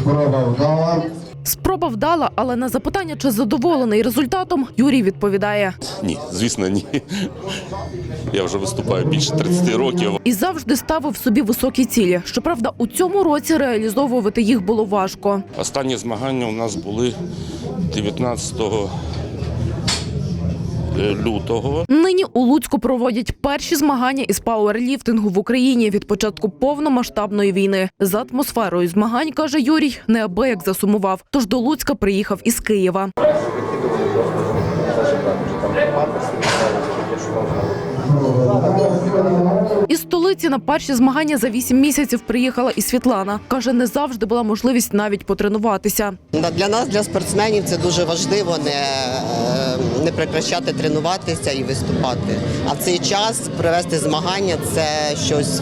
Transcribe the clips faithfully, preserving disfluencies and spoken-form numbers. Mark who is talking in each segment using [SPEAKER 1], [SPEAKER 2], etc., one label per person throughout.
[SPEAKER 1] Спроба вдала.
[SPEAKER 2] Спроба вдала, але на запитання, чи задоволений результатом, Юрій відповідає.
[SPEAKER 3] Ні, звісно, ні. Я вже виступаю більше тридцяти років.
[SPEAKER 2] І завжди ставив собі високі цілі. Щоправда, у цьому році реалізовувати їх було важко.
[SPEAKER 3] Останні змагання у нас були дев'ятнадцятого лютого.
[SPEAKER 2] Нині у Луцьку проводять перші змагання із пауерліфтингу в Україні від початку повномасштабної війни. За атмосферою змагань, каже Юрій, неабияк засумував. Тож до Луцька приїхав із Києва. Із столиці на перші змагання за вісім місяців приїхала і Світлана. Каже, не завжди була можливість навіть потренуватися.
[SPEAKER 4] Для нас, для спортсменів, це дуже важливо не, не прекращати тренуватися і виступати. А в цей час провести змагання – це щось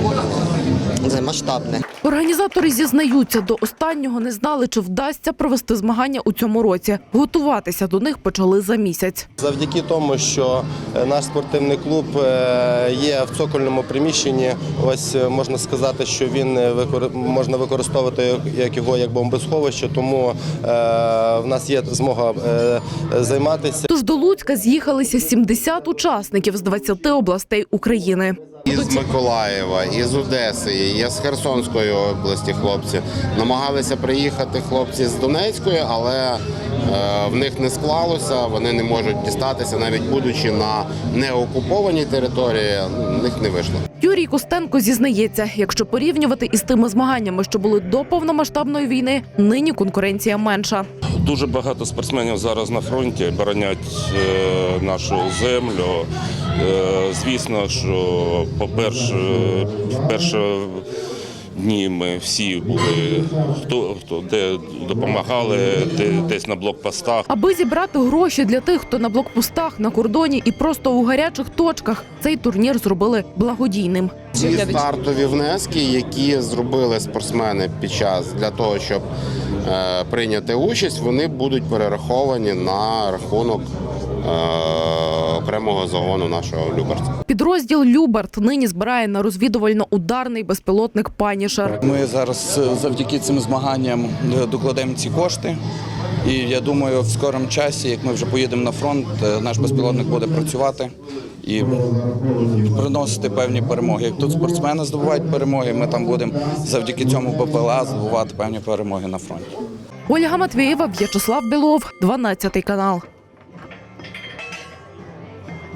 [SPEAKER 4] це масштабне.
[SPEAKER 2] Організатори зізнаються, до останнього не знали, чи вдасться провести змагання у цьому році. Готуватися до них почали за місяць.
[SPEAKER 5] Завдяки тому, що наш спортивний клуб є в цокольному приміщенні, ось можна сказати, що він можна використовувати як його як бомбосховище, тому в нас є змога займатися.
[SPEAKER 2] Тож до Луцька з'їхалися сімдесят учасників з двадцяти областей України.
[SPEAKER 6] Із Миколаєва, із Одеси, із Херсонської області хлопці. Намагалися приїхати хлопці з Донецької, але е, в них не склалося, вони не можуть дістатися, навіть будучи на неокупованій території, в них не вийшло.
[SPEAKER 2] Юрій Костенко зізнається, якщо порівнювати із тими змаганнями, що були до повномасштабної війни, нині конкуренція менша.
[SPEAKER 3] Дуже багато спортсменів зараз на фронті боронять е, нашу землю. Е, звісно, що по-перше, в перші дні ми всі були, хто, хто де допомагали, де, десь на блокпостах.
[SPEAKER 2] Аби зібрати гроші для тих, хто на блокпостах, на кордоні і просто у гарячих точках, цей турнір зробили благодійним.
[SPEAKER 6] Ці стартові внески, які зробили спортсмени під час для того, щоб е, прийняти участь, вони будуть перераховані на рахунок е, окремого загону нашого Люберта.
[SPEAKER 2] Підрозділ «Люберт» нині збирає на розвідувально-ударний безпілотник «Панішер».
[SPEAKER 7] Ми зараз завдяки цим змаганням докладемо ці кошти. І я думаю, в скорому часі, як ми вже поїдемо на фронт, наш безпілотник буде працювати і приносити певні перемоги. Як тут спортсмени здобувають перемоги, ми там будемо завдяки цьому БПЛА здобувати певні перемоги на фронті.
[SPEAKER 2] Ольга Матвієва, В'ячеслав Білов, дванадцятий канал.